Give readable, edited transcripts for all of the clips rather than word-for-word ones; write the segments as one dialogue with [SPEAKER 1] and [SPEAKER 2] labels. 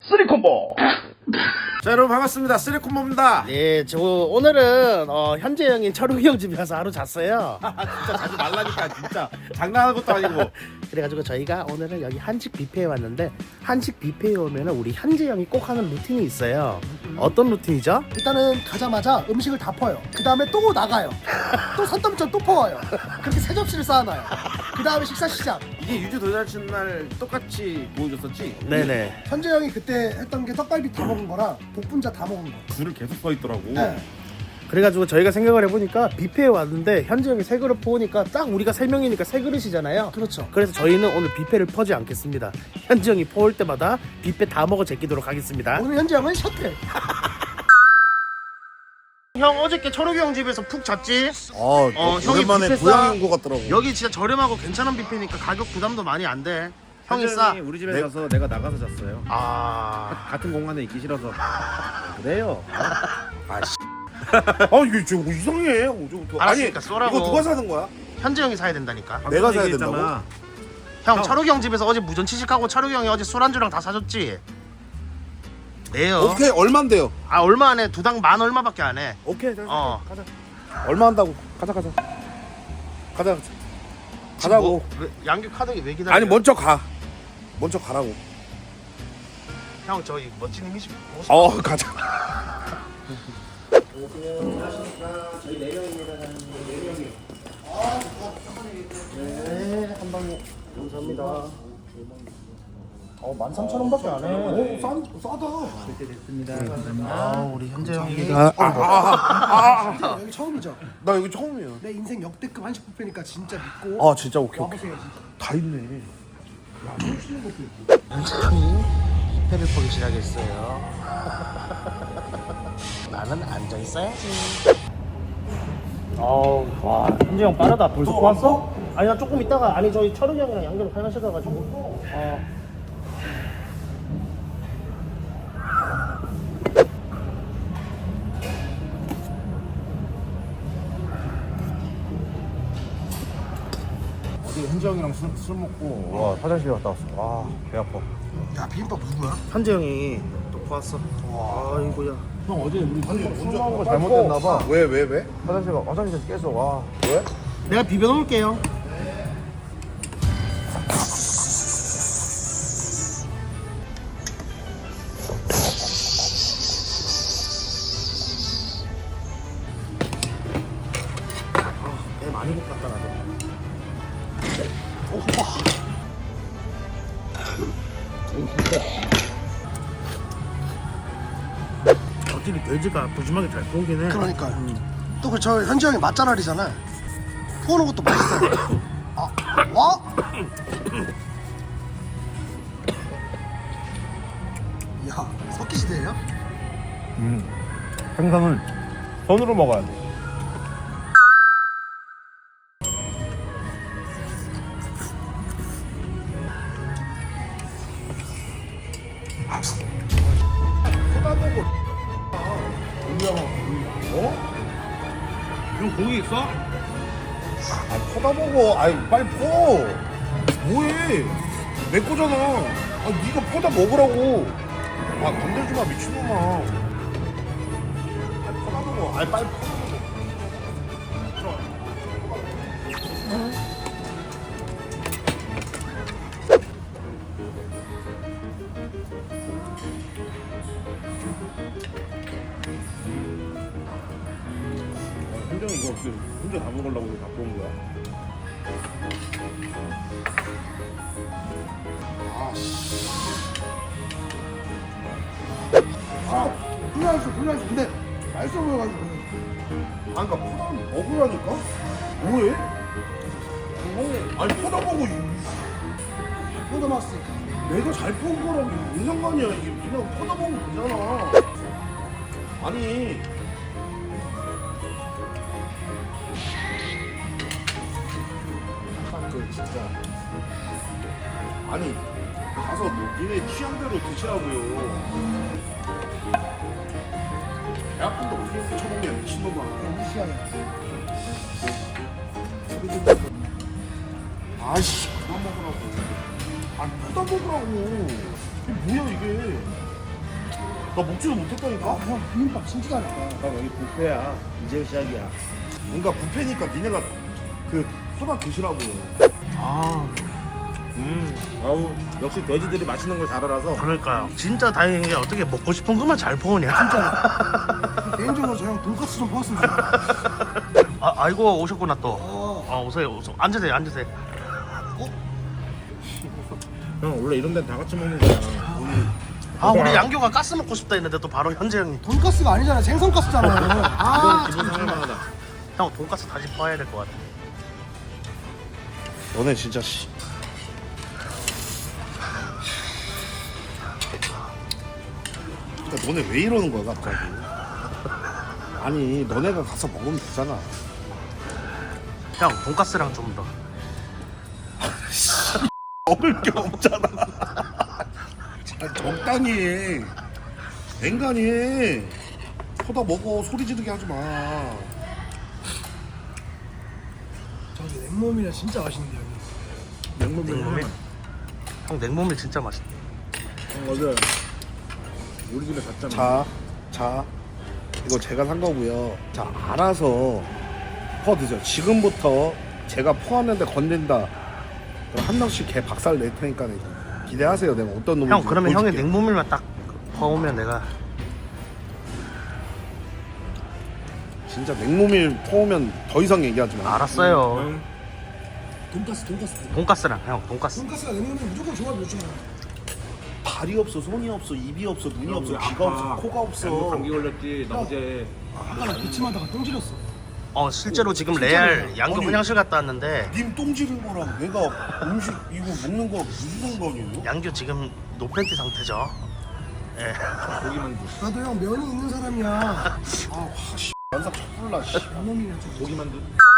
[SPEAKER 1] 쓰리콤보. 자, 여러분 반갑습니다. 쓰리콤보입니다.
[SPEAKER 2] 네, 저 오늘은 현재 형인 철욱이 형 집에 가서 하루 잤어요.
[SPEAKER 1] 진짜 자주 말라니까 진짜 장난하는 것도 아니고.
[SPEAKER 2] 그래가지고 저희가 오늘은 여기 한식 뷔페에 왔는데, 한식 뷔페에 오면은 우리 현재 형이 꼭 하는 루틴이 있어요. 어떤 루틴이죠?
[SPEAKER 3] 일단은 가자마자 음식을 다 퍼요. 그 다음에 또 나가요. 또 산더미처럼 또 퍼와요. 그렇게 세 접시를 쌓아놔요. 그 다음에 식사 시작.
[SPEAKER 1] 이게 유주 도자신 날 똑같이 보여줬었지?
[SPEAKER 2] 네네.
[SPEAKER 3] 현재 형이 그때 했던 게 떡갈비 다 먹은 거랑 복분자 다 먹은 거.
[SPEAKER 1] 줄을 계속 서 있더라고.
[SPEAKER 3] 네.
[SPEAKER 2] 그래가지고 저희가 생각을 해보니까 뷔페에 왔는데 현재 형이 세 그릇 퍼오니까 딱 우리가 세 명이니까 세 그릇이잖아요.
[SPEAKER 3] 그렇죠.
[SPEAKER 2] 그래서 저희는 오늘 뷔페를 퍼지 않겠습니다. 현재 형이 퍼올 때마다 뷔페 다 먹어 제끼도록 하겠습니다.
[SPEAKER 3] 오늘 현재 형은 셔틀.
[SPEAKER 2] 형 어저께 철욱이 형 집에서 푹 잤지? 형이
[SPEAKER 1] 오랜만에
[SPEAKER 2] 뷔페
[SPEAKER 1] 고향
[SPEAKER 2] 싸.
[SPEAKER 1] 온 것 같더라고.
[SPEAKER 2] 여기 진짜 저렴하고 괜찮은 뷔페니까 가격 부담도 많이 안 돼. 형이 싸.
[SPEAKER 1] 우리 집에 가서 내가 나가서 잤어요.
[SPEAKER 2] 아,
[SPEAKER 1] 같은 공간에 있기 싫어서. 그래요.
[SPEAKER 2] 아씨.
[SPEAKER 1] 이게 좀 이상해.
[SPEAKER 2] 알았으니까 쏘라고.
[SPEAKER 1] 이거 누가 사는 거야?
[SPEAKER 2] 현재 형이 사야 된다니까.
[SPEAKER 1] 내가 사야 된다고?
[SPEAKER 2] 형 철욱이 형 집에서 어제 무전 취식하고 철욱이 형이 어제 술안주랑 다 사줬지? 네요.
[SPEAKER 1] 오케이, 얼만데요?
[SPEAKER 2] 아, 얼마 안 해. 두당 만 얼마밖에 안 해.
[SPEAKER 1] 오케이,
[SPEAKER 2] 가자.
[SPEAKER 1] 얼마 한다고? 가자. 가자고.
[SPEAKER 2] 뭐, 양규 카드기 왜 기다려?
[SPEAKER 1] 아니 먼저 가. 먼저 가라고.
[SPEAKER 2] 형 저희 멋진 이미지.
[SPEAKER 1] 가자.
[SPEAKER 2] 네, 한 방에 감사합니다. 13,000원밖에 안 해.
[SPEAKER 3] 오, 싸다.
[SPEAKER 2] 아, 우리 현재 형이.
[SPEAKER 3] 여기 처음이죠.
[SPEAKER 1] 나 여기 처음이야.
[SPEAKER 3] 내 인생 역대급 한식 뷔페니까 진짜 믿고
[SPEAKER 1] 진짜 오케이.
[SPEAKER 3] 와보세요.
[SPEAKER 1] 다 있네.
[SPEAKER 2] 현재 형이 회를 포기 시작했어요. 나는 앉아 있어야지. 와, 현재 형 빠르다. 벌써 왔어? 아니, 나 조금 있다가, 아니, 저희 철욱이 형이랑 양념 하시다가지고.
[SPEAKER 1] 어제 현지 형이랑 술 먹고 와 화장실 갔다 왔어. 와 배 아파.
[SPEAKER 3] 야, 비빔밥 누구야?
[SPEAKER 2] 현재 형이 또 보았어. 아이고야.
[SPEAKER 1] 형 어제 우리 술 먹은 거 잘못됐나 봐. 왜? 화장실에서 계속 와. 왜?
[SPEAKER 2] 내가 비벼 놓을게요. 배 많이 볶았다 나도. 확실히 돼지가 부지하게 잘 구우긴 해.
[SPEAKER 3] 그러니까요. 또 그 저 현재 형이 맛잘알이잖아. 퍼오는 것도 맛있어요. 와? 야, 석기시대예요?
[SPEAKER 1] 생선을 손으로 먹어야 돼.
[SPEAKER 2] 형 고기 있어?
[SPEAKER 1] 퍼다 먹어. 빨리 퍼. 뭐해? 내 거잖아. 네가 퍼다 먹으라고. 건들지 마 미친놈아. 퍼다 먹어. 빨리 퍼. 현정이 이거 어떻게 혼자 다 먹으려고 갖고 온 거야?
[SPEAKER 3] 불량했어. 근데 맛있어 보여가지고.
[SPEAKER 1] 그러니까 퍼다 먹으라니까? 뭐해? 퍼다 먹어.
[SPEAKER 3] 포도 맛있으니까.
[SPEAKER 1] 내가 잘 퍼온 거랑 무슨 상관이야. 이게 그냥 퍼다 먹으면 되잖아. 아니 진짜 가서 니네 취향대로 드시라고요. 배 아픈데 어떻게 이렇게 처먹냐 미친놈아.
[SPEAKER 3] 무시하네.
[SPEAKER 1] 그만 먹으라고. 퍼다 먹으라고. 이게 뭐야 이게. 나 먹지도 못했다니까.
[SPEAKER 3] 형 비빔밥 진짜 잘했다.
[SPEAKER 2] 형 여기 뷔페야. 이제 시작이야.
[SPEAKER 1] 뭔가 뷔페니까 니네가 그 소다 드시라고.
[SPEAKER 4] 아우 역시 돼지들이 맛있는 걸 잘 알아서.
[SPEAKER 2] 그러니까요. 진짜 다행인 게 어떻게 먹고 싶은 것만 잘 퍼오냐.
[SPEAKER 3] 개인적으로 저 형 돈까스 좀 퍼왔으면 좋겠다.
[SPEAKER 2] 아이고 오셨구나 또. 오세요. 앉으세요. 앉으세요.
[SPEAKER 4] 형 원래 이런 데는 다 같이 먹는 거야.
[SPEAKER 2] 우리 양교가 가스 먹고 싶다 했는데 또 바로 현재 형이.
[SPEAKER 3] 돈까스가 아니잖아. 생선가스잖아요. 아,
[SPEAKER 4] 기분 상할만하다.
[SPEAKER 2] 형 돈가스 다시 퍼야 될 것 같아.
[SPEAKER 1] 너네 진짜 씨. 그러니까 너네 왜 이러는 거야 갑자기? 아니 너네가 가서 먹으면 되잖아.
[SPEAKER 2] 형 돈가스랑 좀 더.
[SPEAKER 1] 먹을 게 없잖아. 적당히 해. 앵간히 해. 퍼다 먹어. 소리 지르게 하지 마.
[SPEAKER 3] 저기 냉모밀이라 진짜 맛있는데요.
[SPEAKER 2] 냉모밀. 형 냉모밀 진짜 맛있다.
[SPEAKER 4] 형 어제 우리 집에 갔잖아.
[SPEAKER 1] 자, 이거 제가 산 거고요. 자, 알아서 퍼 드세요. 지금부터 제가 퍼왔는데 건넨다. 그럼 한 명씩 개 박살 낼 테니까 기대하세요. 내가 어떤 놈인지.
[SPEAKER 2] 형 그러면 형이
[SPEAKER 1] 보여줄게요.
[SPEAKER 2] 냉모밀만 딱 퍼오면 내가.
[SPEAKER 1] 진짜 냉모밀 퍼오면 더 이상 얘기하지 마.
[SPEAKER 2] 알았어요.
[SPEAKER 3] 돈까스.
[SPEAKER 2] 돈가스랑 형 돈가스.
[SPEAKER 3] 돈까스가 냉모밀 무조건 조합이 좋잖아.
[SPEAKER 1] 발이 없어, 손이 없어, 입이 없어, 눈이 없어,
[SPEAKER 4] 우리
[SPEAKER 1] 귀가
[SPEAKER 4] 아빠
[SPEAKER 1] 없어, 코가 없어.
[SPEAKER 4] 감기 걸렸지. 나 어제
[SPEAKER 3] 아까 나 기침하다가 똥 지렸어.
[SPEAKER 2] 실제로 지금 레알 양교
[SPEAKER 1] 아니.
[SPEAKER 2] 화장실 갔다 왔는데
[SPEAKER 1] 님 똥 지른 거랑 내가 음식 이거 먹는 거 무슨 상관이에요?
[SPEAKER 2] 양교 지금 노팬티 상태죠. 예.
[SPEAKER 4] 고기만두.
[SPEAKER 3] 나도 형 면이 있는 사람이야.
[SPEAKER 1] 연삭 척불라.
[SPEAKER 3] 냉모밀이라 좀.
[SPEAKER 4] 고기만두.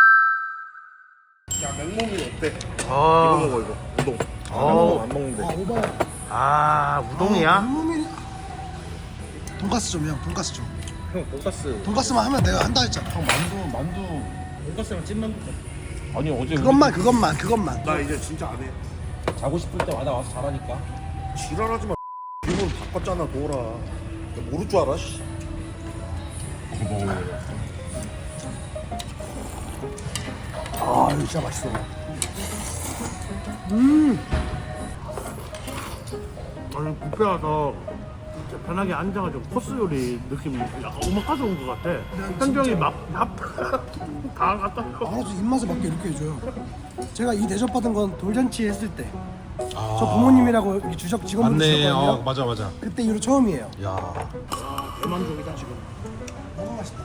[SPEAKER 1] 야 냉모밀 어때? 이거
[SPEAKER 2] 어.
[SPEAKER 1] 먹어 이거. 우동.
[SPEAKER 2] 어.
[SPEAKER 4] 안 먹는데.
[SPEAKER 3] 오바야.
[SPEAKER 2] 우동이야?
[SPEAKER 3] 냉모밀. 돈까스 좀 형. 돈까스 좀.
[SPEAKER 4] 형 돈가스.
[SPEAKER 3] 돈까스만 하면 내가 한다 했잖아.
[SPEAKER 4] 형 만두. 돈가스랑 찐만두. 아니 어제
[SPEAKER 3] 그것만.
[SPEAKER 1] 나 이제 진짜 안 해.
[SPEAKER 4] 우리 자고 싶을 때마다 와서 자라니까.
[SPEAKER 1] 지랄하지 마. 이걸 바꿨잖아 도라. 모를 줄 알아? 씨.
[SPEAKER 3] 아, 이거 진짜 맛있어.
[SPEAKER 2] 아니 뷔페 와서 진짜 편하게 앉아가지고 코스 요리 느낌 약간 오마카세 온 것 같아. 현정이 다 갖다 줘.
[SPEAKER 3] 알아서 입맛에 맞게 이렇게 해줘요. 제가 이 대접 받은 건 돌잔치 했을 때. 저 부모님이라고 이렇게 주적 직원분들 주셨거든요.
[SPEAKER 4] 맞아.
[SPEAKER 3] 그때 이후로 처음이에요.
[SPEAKER 4] 야.
[SPEAKER 3] 대만족이다 지금. 너무 맛있다.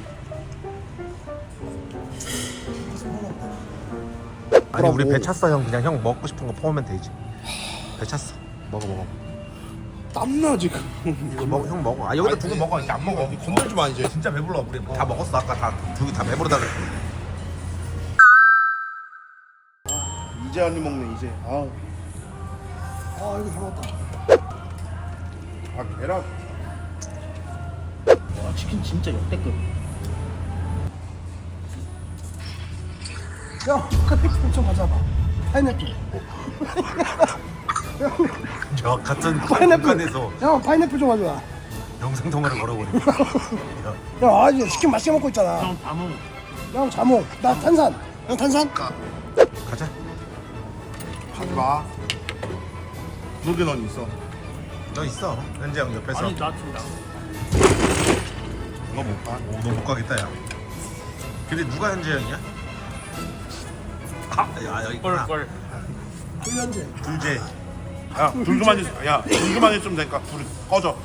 [SPEAKER 4] 아니 우리 배 찼어 형. 그냥 형 먹고 싶은 거 퍼오면 되지. 배 찼어. 먹어.
[SPEAKER 1] 땀나 지금.
[SPEAKER 4] 이거 먹어 형 먹어. 아 여기다 두고 먹어. 이제 안 먹어.
[SPEAKER 1] 건들지 마 이제.
[SPEAKER 4] 진짜 배불러. 우리 다 먹었어. 아까 다 배부르다 그랬어.
[SPEAKER 1] 이제 한 입 먹네 이제. 아
[SPEAKER 3] 이거 잘 먹었다.
[SPEAKER 1] 계란.
[SPEAKER 2] 와 치킨 진짜 역대급.
[SPEAKER 3] 형, 파인애플 좀 가져봐. 파인애플.
[SPEAKER 4] 저 같은
[SPEAKER 3] 파인애플.
[SPEAKER 4] 공간에서
[SPEAKER 3] 형, 파인애플 좀 가져와.
[SPEAKER 4] 영상 통화를 걸어버리네.
[SPEAKER 3] 형, 아주 치킨 맛있게 먹고 있잖아.
[SPEAKER 2] 형 다몽.
[SPEAKER 3] 형, 자몽. 나 탄산. 형, 탄산?
[SPEAKER 4] 가자.
[SPEAKER 1] 하지 마. 그러게 넌 있어.
[SPEAKER 4] 너 있어. 현재 형 옆에서.
[SPEAKER 2] 아니 나 지금 나.
[SPEAKER 1] 너 못 봐.
[SPEAKER 4] 너 못 가겠다 야. 근데 누가 현재 형이야? 야 여기 있구나.
[SPEAKER 2] 걸.
[SPEAKER 3] 불현재.
[SPEAKER 4] 둘째.
[SPEAKER 1] 야 불그만 있. 야 불그만 있으면 되니까 불 꺼져.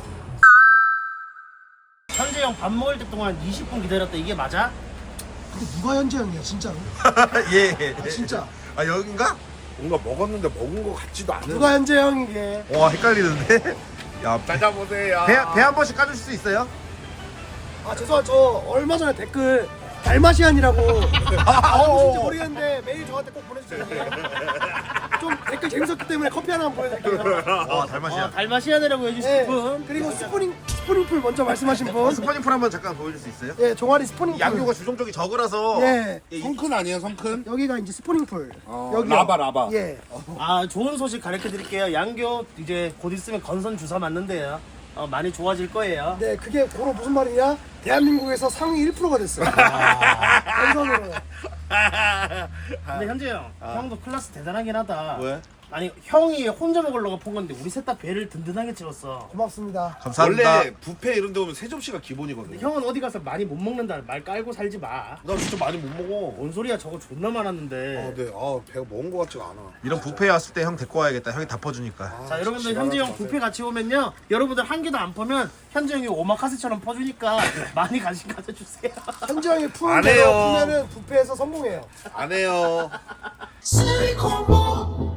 [SPEAKER 2] 현재 형 밥 먹을 때 동안 20분 기다렸다 이게 맞아?
[SPEAKER 3] 근데 누가 현재 형이야, 진짜로?
[SPEAKER 4] 예.
[SPEAKER 3] 아, 진짜.
[SPEAKER 4] 아 여긴가?
[SPEAKER 1] 뭔가 먹었는데 먹은 거 같지도 않은.
[SPEAKER 3] 누가 현재 형이게?
[SPEAKER 4] 와 헷갈리는데. 야
[SPEAKER 1] 찾아보세요.
[SPEAKER 4] 배 한 번씩 까줄 수 있어요?
[SPEAKER 3] 아, 죄송해요. 저 얼마 전에 댓글 달마시안이라고 누구신지 모르겠는데 메일 저한테 꼭 보내주세요. 좀 댓글 재밌었기 때문에 커피 하나 보내드릴게요.
[SPEAKER 4] 와 달맛이야.
[SPEAKER 2] 달마시아네라고 해주신
[SPEAKER 3] 네.
[SPEAKER 2] 분.
[SPEAKER 3] 그리고 스프링풀 먼저 말씀하신 분.
[SPEAKER 4] 스파닝풀 한번 잠깐 보여줄 수 있어요?
[SPEAKER 3] 예, 종아리 스프링풀.
[SPEAKER 4] 양교가 주종적이 적으라서.
[SPEAKER 3] 예.
[SPEAKER 1] 성큰 아니에요 성큰?
[SPEAKER 3] 여기가 이제 스프링풀. 여기
[SPEAKER 1] 라바.
[SPEAKER 3] 예.
[SPEAKER 2] 좋은 소식 가르쳐 드릴게요. 양교 이제 곧 있으면 건선 주사 맞는데요.
[SPEAKER 5] 많이 좋아질 거예요.
[SPEAKER 3] 네, 그게 고로 무슨 말이냐? 대한민국에서 상위 1%가 됐어요. 한선으로.
[SPEAKER 5] 근데 현재 형도 클래스 대단하긴 하다.
[SPEAKER 1] 왜?
[SPEAKER 5] 아니 형이 혼자 먹으려고 폰 건데 우리 셋 다 배를 든든하게 채웠어.
[SPEAKER 3] 고맙습니다.
[SPEAKER 4] 감사합니다.
[SPEAKER 1] 원래 뷔페 이런 데 오면 3접시가 기본이거든.
[SPEAKER 5] 형은 어디 가서 많이 못 먹는다 말 깔고 살지 마.
[SPEAKER 1] 나 진짜 많이 못 먹어.
[SPEAKER 5] 뭔 소리야, 저거 존나 많았는데.
[SPEAKER 1] 네. 배가 먹은 거 같지가 않아.
[SPEAKER 4] 이런 뷔페에 왔을 때 형 데리고 와야겠다. 형이 다 퍼주니까.
[SPEAKER 5] 자, 여러분들
[SPEAKER 1] 진짜
[SPEAKER 5] 현재 형
[SPEAKER 1] 지랄하지
[SPEAKER 5] 뷔페 같이 오면요, 여러분들 한 개도 안 퍼면 현재 형이 오마카세처럼 퍼주니까 많이 관심 가져주세요.
[SPEAKER 3] 현지형이 푸는
[SPEAKER 1] 안
[SPEAKER 3] 대로
[SPEAKER 1] 해요.
[SPEAKER 3] 푸면은 뷔페에서 성공해요.
[SPEAKER 1] 안 해요.
[SPEAKER 6] 실리콘